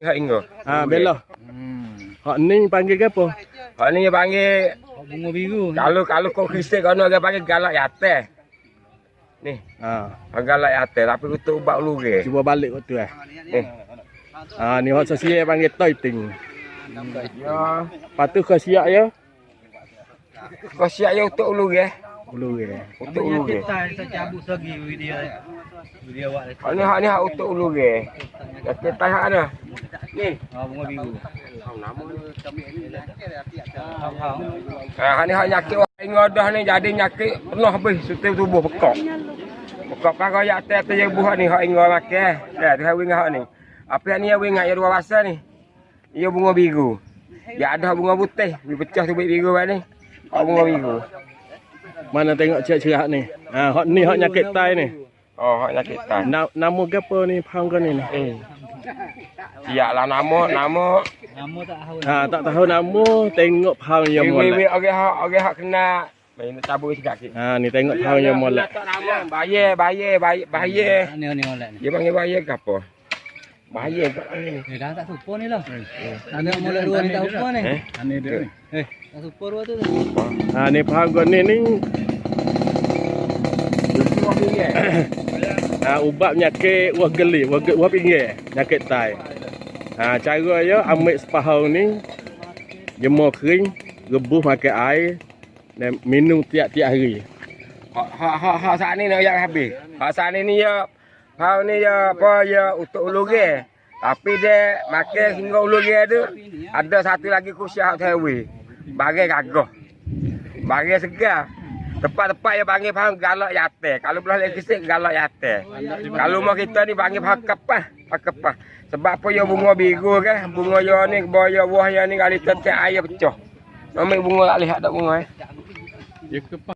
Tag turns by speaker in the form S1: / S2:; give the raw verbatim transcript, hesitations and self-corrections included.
S1: Hak ingo.
S2: Ha belah. Hmm. Hak ni panggil ke apa?
S1: Hak ni panggil
S3: bunga biru.
S1: kalau kalau kau Kristian kau nak panggil galak yate. Ni.
S2: Ha.
S1: Galak yate tapi kutu ubat luge.
S2: Cuba balik waktu eh.
S1: Ni.
S2: Ha ni hak sosial panggil toy ting.
S1: Ya.
S2: Patu kau siap ya?
S1: Kau siap ya untuk luge.
S2: Ulu ke.
S1: Untuk luge.
S3: Kita saya cabut lagi video video awak.
S1: Hak ni hak ni hak untuk luge. Yate tai hak ana. Ni.
S3: Ah bunga biru.
S1: Ah hak ni hak nyakit orang ingo dah ni jadi nyakit penuh habis sutil tubuh pekak. Pekak pakai yate tu yang buah ni hak ingo makan. Dah tu hak wingat hak ni. Apa yang ni yang wingat yang dua rasa ni? Ia bunga biru. Ya ada bunga putih, dia pecah tu biru ni. Hak bunga biru.
S2: Mana tengok cerah ni. Ha hak ni hak nyakit tai ni.
S1: Oh, hak nyakit tai.
S2: Na, nama ke apa ni phang kau ni?
S1: Eh. Siaplah nama, nama.
S3: Nama tak tahu.
S2: Ha tak tahu nama, tengok phang yang
S1: Wei
S2: molek.
S1: wei okey hak okey hak kena. Main cabut sikit sikit.
S2: Ha ni tengok phang yang molek.
S1: Tak nama, bayar, bayar, bayar, bayar.
S3: Ni ni molek ni.
S1: Dia panggil bayar ke apa? Bayar kat ni.
S3: Eh dah tak supo ni lah. Ada molek dua ni tak supo ni.
S1: Eh?
S2: Ni dia ni.
S3: Eh, tak supo dua tu.
S2: Ha ni phang kau ni ni ha ubat penyakit wah geli, wah wah pinggir, nyakit tai. Ha cara dia ambil sepahau ni jemur kering, rebus makan air dan minum tiap-tiap hari.
S1: Hak hak hak hak saat ni nak yang habis. Hak saat ni ni ya hak ni ya apa ya untuk uluge. Tapi dia makan hingga uluge tu ada satu lagi kusyah tewi. Bagai gagah. Bagai segar. Tepat-tepat dia panggil faham galak yate. Kalau belah lagi sikit galak yate. Kalau mau kita ni panggil faham kepah, kepah. Sebab apa ya bunga biru kan? Bunga ya ni boya buah ya ni kali tetek air pecah. Ambil bunga tak lihat tak bunga eh.
S2: Dia kepah